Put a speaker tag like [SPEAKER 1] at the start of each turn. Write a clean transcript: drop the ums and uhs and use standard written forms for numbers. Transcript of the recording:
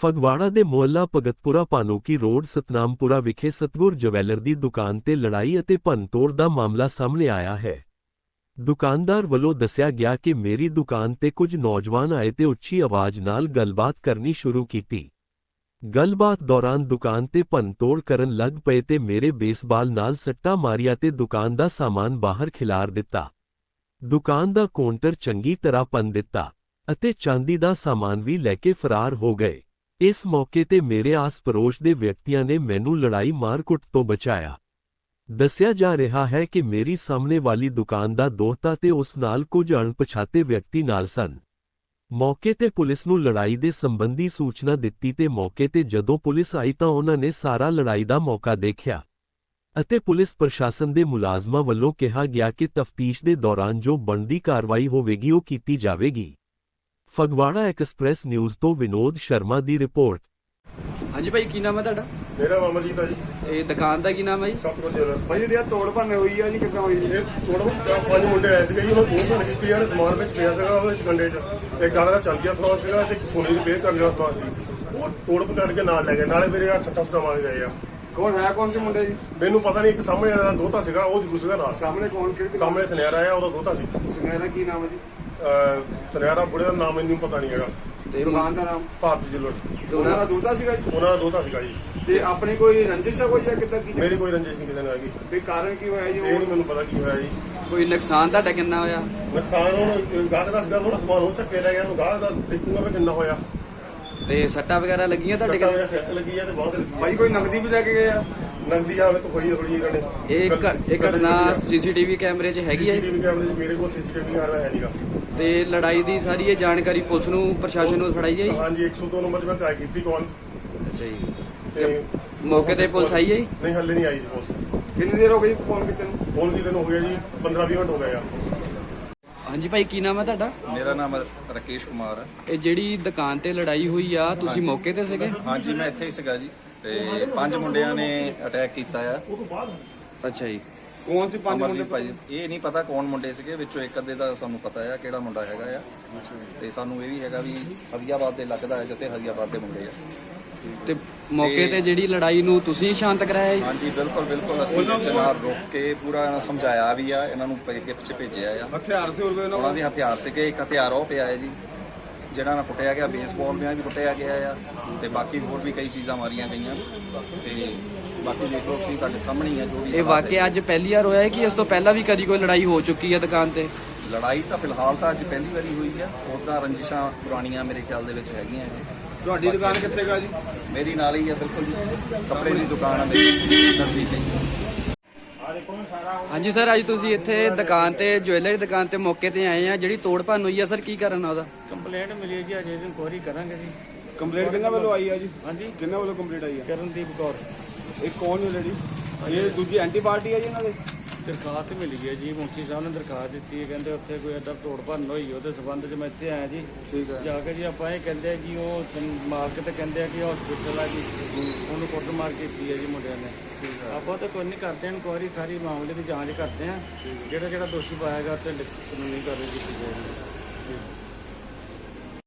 [SPEAKER 1] ਫਗਵਾੜਾ ਦੇ ਮੁਹੱਲਾ ਭਗਤਪੁਰਾ ਭਾਨੂਕੀ ਰੋਡ ਸਤਨਾਮਪੁਰਾ ਵਿਖੇ ਸਤਗੁਰ ਜਵੈਲਰ ਦੀ ਦੁਕਾਨ ਤੇ ਲੜਾਈ ਅਤੇ ਭੰਨਤੋੜ ਦਾ ਮਾਮਲਾ ਸਾਹਮਣੇ ਆਇਆ ਹੈ। ਦੁਕਾਨਦਾਰ ਵੱਲੋਂ ਦੱਸਿਆ ਗਿਆ ਕਿ ਮੇਰੀ ਦੁਕਾਨ ਤੇ ਕੁਝ ਨੌਜਵਾਨ ਆਏ ਤੇ ਉੱਚੀ ਆਵਾਜ਼ ਨਾਲ ਗੱਲਬਾਤ ਕਰਨੀ ਸ਼ੁਰੂ ਕੀਤੀ। ਗੱਲਬਾਤ ਦੌਰਾਨ ਦੁਕਾਨ ਤੇ ਭੰਨਤੋੜ ਕਰਨ ਲੱਗ ਪਏ ਤੇ ਮੇਰੇ ਬੇਸਬਾਲ ਨਾਲ ਸੱਟਾਂ ਮਾਰੀਆਂ ਤੇ ਦੁਕਾਨ ਦਾ ਸਾਮਾਨ ਬਾਹਰ ਖਿਲਾਰ ਦਿੱਤਾ। ਦੁਕਾਨ ਦਾ ਕਾਊਂਟਰ ਚੰਗੀ ਤਰ੍ਹਾਂ ਭੰਨ ਦਿੱਤਾ ਅਤੇ ਚਾਂਦੀ ਦਾ ਸਾਮਾਨ ਵੀ ਲੈ ਕੇ ਫਰਾਰ ਹੋ ਗਏ। ਇਸ ਮੌਕੇ ਤੇ ਮੇਰੇ ਆਸ-ਪੜੋਸ ਦੇ ਵਿਅਕਤੀਆਂ ਨੇ ਮੈਨੂੰ ਲੜਾਈ ਮਾਰ-ਕੁੱਟ ਤੋਂ ਬਚਾਇਆ। ਦੱਸਿਆ ਜਾ ਰਿਹਾ ਹੈ ਕਿ ਮੇਰੀ ਸਾਹਮਣੇ ਵਾਲੀ ਦੁਕਾਨ ਦਾ ਦੋਹਤਾ ਤੇ ਉਸ ਨਾਲ ਕੁਝ ਅਣਪਛਾਤੇ ਵਿਅਕਤੀ ਨਾਲ ਸਨ। ਮੌਕੇ ਤੇ ਪੁਲਿਸ ਨੂੰ ਲੜਾਈ ਦੇ ਸੰਬੰਧੀ ਸੂਚਨਾ ਦਿੱਤੀ ਤੇ ਮੌਕੇ ਤੇ ਜਦੋਂ ਪੁਲਿਸ ਆਈ ਤਾਂ ਉਹਨਾਂ ਨੇ ਸਾਰਾ ਲੜਾਈ ਦਾ ਮੌਕਾ ਦੇਖਿਆ ਅਤੇ ਪੁਲਿਸ ਪ੍ਰਸ਼ਾਸਨ ਦੇ ਮੁਲਾਜ਼ਮਾਂ ਵੱਲੋਂ ਕਿਹਾ ਗਿਆ ਕਿ ਤਫਤੀਸ਼ ਦੇ ਦੌਰਾਨ ਜੋ ਬਣਦੀ ਕਾਰਵਾਈ ਹੋਵੇਗੀ ਉਹ ਕੀਤੀ ਜਾਵੇਗੀ। ਫਗਵਾੜਾ ਐਕਸਪ੍ਰੈਸ ਨਿਊਜ਼ ਤੋਂ ਵਿਨੋਦ ਸ਼ਰਮਾ ਦੀ ਰਿਪੋਰਟ।
[SPEAKER 2] ਹਾਂਜੀ ਭਾਈ, ਕੀ ਨਾਮ ਹੈ ਤੁਹਾਡਾ?
[SPEAKER 3] ਮੇਰਾ ਨਾਮ ਅਮਰਜੀਤ ਹੈ ਜੀ।
[SPEAKER 2] ਇਹ ਦੁਕਾਨ ਦਾ ਕੀ ਨਾਮ ਹੈ ਜੀ?
[SPEAKER 3] ਸਤਗੁਰ ਜਵੈਲਰ।
[SPEAKER 4] ਭਾਈ ਜਿਹੜੀ ਆ ਤੋੜ ਭੰਨ ਹੋਈ ਆ ਜੀ, ਕਿੱਦਾਂ ਹੋਈ ਜੀ?
[SPEAKER 3] ਇਹ ਤੋੜ ਪੰਜ ਮੁੰਡੇ ਆਏ ਸੀਗੇ ਜੀ, ਉਹਨਾਂ ਤੋੜ ਭੰਨ ਕੀਤੀ ਯਾਰ। ਸਮਾਨ ਵਿੱਚ ਪਿਆ ਸੀਗਾ ਉਹਦੇ ਵਿੱਚ ਕੰਡੇ 'ਚ, ਇੱਕ ਗਾਣਾ ਦਾ ਚੱਲ ਗਿਆ ਸਮਾਨ ਸੀਗਾ ਤੇ ਸੋਨੇ ਦੀ ਪੇਅਰ ਕਰਨ ਵਾਲਾ ਸਮਾਨ ਸੀ। ਉਹ ਤੋੜ ਭੰਨ ਕੇ ਨਾਲ ਲੈ ਗਏ, ਨਾਲੇ ਮੇਰੇ ਹੱਥ ਸੱਟਾਂ ਮਾਰ ਗਏ ਆ।
[SPEAKER 4] ਕੌਣ ਸੀ ਮੁੰਡੇ ਜੀ?
[SPEAKER 3] ਮੈਨੂੰ ਪਤਾ ਨਹੀਂ, ਇੱਕ ਸਾਹਮਣੇ ਵਾਲਾ ਦਾ ਦੋਹਤਾ ਸੀਗਾ, ਉਹ ਜ਼ਰੂਰ ਸੀਗਾ ਨਾਲ।
[SPEAKER 4] ਸਾਹਮਣੇ ਕੌਣ? ਕਿਹੜੀ?
[SPEAKER 3] ਸਾਹਮਣੇ ਸੁਨਿਆਰਾ ਆਇਆ, ਉਹਦਾ ਦੋਹਤਾ ਸੀ।
[SPEAKER 4] ਸੁਨਿਆਰਾ ਕੀ ਨਾਮ ਹੈ ਜੀ?
[SPEAKER 3] ਸੁਨਿਆਰਾ ਬੁੜੇ ਦਾ ਨਾਮ ਮੈਨੂੰ ਪਤਾ ਨਹੀਂ ਹੈਗਾ।
[SPEAKER 2] ਤੇ
[SPEAKER 4] ਦੁਕਾਨ ਦਾ ਨਾਮ?
[SPEAKER 3] ਭਾਰਤੀ ਜਿਲਰ।
[SPEAKER 4] ਉਹਨਾਂ ਦਾ ਦੋਹਤਾ ਸੀਗਾ ਜੀ?
[SPEAKER 3] ਉਹਨਾਂ ਦਾ ਦੋਹਤਾ ਸੀਗਾ ਜੀ।
[SPEAKER 4] ਤੇ ਆਪਣੀ ਕੋਈ ਰੰਜਿਸ਼ ਹੈ ਕੋਈ ਜਾਂ ਕਿੱਦਾਂ ਕੀ?
[SPEAKER 3] ਮੇਰੀ ਕੋਈ ਰੰਜਿਸ਼ ਨਹੀਂ ਕਿਸੇ ਨਾਲ ਹੈਗੀ।
[SPEAKER 4] ਵੀ ਕਾਰਨ ਕੀ ਹੋਇਆ ਜੀ?
[SPEAKER 3] ਇਹ ਨਹੀਂ ਮੈਨੂੰ ਪਤਾ ਕੀ ਹੋਇਆ ਜੀ।
[SPEAKER 2] ਕੋਈ ਨੁਕਸਾਨ ਤੁਹਾਡਾ ਕਿੰਨਾ ਹੋਇਆ?
[SPEAKER 3] ਨੁਕਸਾਨ ਹੁਣ ਗਾਹਕ ਦਾ ਸੀਗਾ, ਥੋੜਾ ਸਮਾਨ ਉਹ ਚੱਕੇ ਲੈ ਗਿਆ, ਉਹਨੂੰ ਗਾਹਕ ਦਾ ਦੇਖੂਗਾ ਵੀ ਕਿੰਨਾ ਹੋਇਆ।
[SPEAKER 2] ਤੇ ਸੱਟਾਂ ਵਗੈਰਾ ਲੱਗੀਆਂ ਤੁਹਾਡੇ
[SPEAKER 3] ਸੱਟਾਂ
[SPEAKER 2] ਕੋਲ?
[SPEAKER 3] ਮੇਰੇ ਸਿਰ ਤੇ ਲੱਗੀ ਆ ਤੇ ਬਾਂਹ ਤੇ ਲੱਗੀ ਆ।
[SPEAKER 4] ਭਾਈ ਕੋਈ ਨਕਦੀ ਵੀ ਲੈ ਕੇ ਗਏ ਆ?
[SPEAKER 3] ਨਗਦੀ ਆ ਵਿੱਚ ਹੋਈ ਥੋੜੀ ਇਹਨਾਂ ਨੇ।
[SPEAKER 2] ਇਹ ਘਟਨਾ ਸੀਸੀਟੀਵੀ ਕੈਮਰੇ 'ਚ ਹੈਗੀ ਹੈ?
[SPEAKER 3] ਸੀਸੀਟੀਵੀ ਕੈਮਰੇ 'ਚ ਮੇਰੇ ਕੋਲ ਸੀਸੀਟੀਵੀ ਕੈਮਰਾ ਹੈ ਨਹੀਂਗਾ।
[SPEAKER 2] ਤੇ ਲੜਾਈ ਦੀ ਸਾਰੀ ਇਹ ਜਾਣਕਾਰੀ ਪੁਲਿਸ ਨੂੰ, ਪ੍ਰਸ਼ਾਸਨ ਨੂੰ ਫੜਾਈ ਜਾਈ?
[SPEAKER 3] ਹਾਂਜੀ, 102 ਨੰਬਰ 'ਚ ਮੈਂ ਕਾਲ ਕੀਤੀ ਕਾਲ।
[SPEAKER 2] ਅੱਛਾ ਜੀ।
[SPEAKER 3] ਤੇ
[SPEAKER 2] ਮੌਕੇ ਤੇ ਪੁਲਿਸ ਆਈ ਹੈ ਜੀ?
[SPEAKER 3] ਨਹੀਂ, ਹੱਲੇ ਨਹੀਂ ਆਈ ਜੀ ਪੁਲਿਸ।
[SPEAKER 4] ਕਿੰਨੀ ਦੇਰ ਹੋ ਗਈ ਫੋਨ ਕੀਤੇ ਨੂੰ?
[SPEAKER 3] ਫੋਨ ਕੀਤੇ ਨੂੰ ਹੋ ਗਿਆ ਜੀ 15-20 ਮਿੰਟ ਹੋ ਗਏ ਆ।
[SPEAKER 2] ਹਾਂਜੀ ਭਾਈ, ਕੀ ਨਾਮ ਹੈ ਤੁਹਾਡਾ?
[SPEAKER 5] ਮੇਰਾ ਨਾਮ ਰਕੇਸ਼ ਕੁਮਾਰ ਹੈ।
[SPEAKER 2] ਇਹ ਜਿਹੜੀ ਦੁਕਾਨ ਤੇ ਲੜਾਈ ਹੋਈ ਆ, ਤੁਸੀਂ ਮੌਕੇ ਤੇ ਸੀਗੇ?
[SPEAKER 5] ਹਾਂਜੀ, ਮੈਂ ਇੱਥੇ ਹੀ ਸੀਗਾ ਜੀ। ਤੇ 5 ਮੁੰਡਿਆਂ ਨੇ ਅਟੈਕ ਕੀਤਾ ਆ।
[SPEAKER 2] ਅੱਛਾ ਜੀ।
[SPEAKER 4] ਕੌਣ ਸੀ 5 ਮੁੰਡੇ?
[SPEAKER 5] ਅਮਰਜੀਤ ਭਾਈ, ਇਹ ਨਹੀਂ ਪਤਾ ਕੌਣ ਮੁੰਡੇ ਸੀਗੇ, ਵਿੱਚੋਂ ਇੱਕ ਅੱਧੇ ਦਾ ਸਾਨੂੰ ਪਤਾ ਆ ਕਿਹੜਾ ਮੁੰਡਾ ਹੈਗਾ ਆ। ਤੇ ਸਾਨੂੰ ਇਹ ਵੀ ਹੈਗਾ ਵੀ ਹਰੀਆਬਾਦ ਦੇ ਲੱਗਦਾ ਹੈ ਜਿੱਥੇ ਹਰੀਆਬਾਦ ਦੇ ਮੁੰਡੇ ਆ।
[SPEAKER 2] ਤੇ ਮੌਕੇ ਤੇ ਜਿਹੜੀ ਲੜਾਈ ਨੂੰ ਤੁਸੀਂ ਸ਼ਾਂਤ ਕਰਾਇਆ ਜੀ?
[SPEAKER 5] ਹਾਂਜੀ, ਬਿਲਕੁਲ ਅਸੀਂ ਵਿੱਚ ਨਾਲ ਰੋਕ ਕੇ ਪੂਰਾ ਸਮਝਾਇਆ ਵੀ ਆ, ਇਹਨਾਂ ਨੂੰ ਪਿੱਛੇ ਭੇਜਿਆ ਆ।
[SPEAKER 4] ਹਥਿਆਰ ਸੀ ਹੋਰ ਕੋਈ?
[SPEAKER 5] ਉਹਨਾਂ ਦੇ ਹਥਿਆਰ ਸੀਗੇ, ਇੱਕ ਹਥਿਆਰ ਉਹ ਪਿਆ ਹੈ ਜੀ ਜਿਹੜਾ ਨਾਲ ਕੁੱਟਿਆ ਗਿਆ, ਬੇਸਬਾਲ ਨਾਲ ਵੀ ਕੁੱਟਿਆ ਗਿਆ ਆ। ਤੇ ਬਾਕੀ ਹੋਰ ਵੀ ਕਈ ਚੀਜ਼ਾਂ ਮਾਰੀਆਂ ਗਈਆਂ। ਤੇ ਬਾਕੀ ਦੇਖ ਲਓ, ਤੁਸੀਂ ਤੁਹਾਡੇ ਸਾਹਮਣੇ ਹੀ ਆ ਜੋ ਵੀ।
[SPEAKER 2] ਇਹ ਵਾਕਿਆ ਅੱਜ ਪਹਿਲੀ ਵਾਰ ਹੋਇਆ ਹੈ ਕਿ ਇਸ ਤੋਂ ਪਹਿਲਾਂ ਵੀ ਕਦੀ ਕੋਈ ਲੜਾਈ ਹੋ ਚੁੱਕੀ ਹੈ ਦੁਕਾਨ ਤੇ?
[SPEAKER 5] ਲੜਾਈ ਤਾਂ ਫਿਲਹਾਲ ਤਾਂ ਅੱਜ ਪਹਿਲੀ ਵਾਰੀ ਹੋਈ ਆ। ਉੱਦਾਂ ਰੰਜਿਸ਼ਾਂ ਪੁਰਾਣੀਆਂ ਮੇਰੇ ਖਿਆਲ ਦੇ ਵਿੱਚ ਹੈਗੀਆਂ।
[SPEAKER 4] ਤੁਹਾਡੀ ਦੁਕਾਨ ਕਿੱਥੇ ਗਾ ਜੀ?
[SPEAKER 5] ਮੇਰੀ ਨਾਲ ਹੀ ਆ, ਬਿਲਕੁਲ ਜੀ। ਕੱਪੜੇ ਦੀ ਦੁਕਾਨ ਆ ਮੇਰੀ ਨਜ਼ਦੀਕ ਹੀ।
[SPEAKER 2] ਹਾਂਜੀ ਸਰ, ਅੱਜ ਤੁਸੀਂ ਇੱਥੇ ਦੁਕਾਨ ਤੇ, ਜੁਐਲਰੀ ਦੁਕਾਨ ਤੇ ਮੌਕੇ ਤੇ ਆਏ ਆ। ਜਿਹੜੀ ਤੋੜ ਭੰਨ ਹੋਈ ਆ ਸਰ, ਕੀ ਕਾਰਨ ਆ ਉਹਦਾ?
[SPEAKER 6] ਕੰਪਲੇਂਟ ਮਿਲੀ ਹੈ ਜੀ, ਅਜੇ ਇਨਕੁਆਇਰੀ ਕਰਾਂਗੇ ਜੀ।
[SPEAKER 4] ਕੰਪਲੇਂਟ ਕਿੰਨਾ ਵੱਲੋਂ ਆਈ ਆ ਜੀ?
[SPEAKER 6] ਹਾਂਜੀ,
[SPEAKER 4] ਕਿੰਨਾ ਵੱਲੋਂ ਕੰਪਲੇਂਟ ਆਈ ਆ?
[SPEAKER 6] ਕਰਨਦੀਪ ਕੌਰ।
[SPEAKER 4] ਇਹ ਕੌਣ ਹੈ ਲੇਡੀ? ਇਹ ਦੂਜੀ ਐਂਟੀ ਪਾਰਟੀ ਹੈ ਜੀ ਇਹਨਾਂ ਦੇ?
[SPEAKER 6] ਦਰਖਾਸਤ ਮਿਲੀ ਹੈ ਜੀ, ਮੁਖੀ ਸਾਹਿਬ ਨੇ ਦਰਖਾਸਤ ਦਿੱਤੀ ਹੈ। ਕਹਿੰਦੇ ਉੱਥੇ ਕੋਈ ਏਦਾਂ ਤੋੜ ਭੰਨ ਹੋਈ, ਉਹਦੇ ਸਬੰਧ 'ਚ ਮੈਂ ਇੱਥੇ ਆਇਆ ਜੀ।
[SPEAKER 4] ਠੀਕ ਹੈ।
[SPEAKER 6] ਜਾ ਕੇ ਜੀ ਆਪਾਂ ਇਹ ਕਹਿੰਦੇ ਆ ਕਿ ਉਹ ਮਾਲਕ ਤੇ ਕਹਿੰਦੇ ਆ ਕਿ ਹਸਪੀਟਲ ਆ ਜੀ, ਉਹਨੂੰ ਕੁੱਟਮਾਰ ਕੀਤੀ ਹੈ ਜੀ ਮੁੰਡਿਆਂ ਨੇ। ਆਪਾਂ ਤਾਂ ਕੋਈ ਨਹੀਂ ਕਰਦੇ, ਇਨਕੁਆਇਰੀ ਸਾਰੀ ਮਾਮਲੇ ਦੀ ਜਾਂਚ ਕਰਦੇ ਆ। ਜਿਹੜਾ ਦੋਸ਼ੀ ਪਾਇਆ ਗਿਆ ਤੇ ਕਾਨੂੰਨੀ ਕਾਰਵਾਈ ਕੀਤੀ ਜਾਏਗੀ।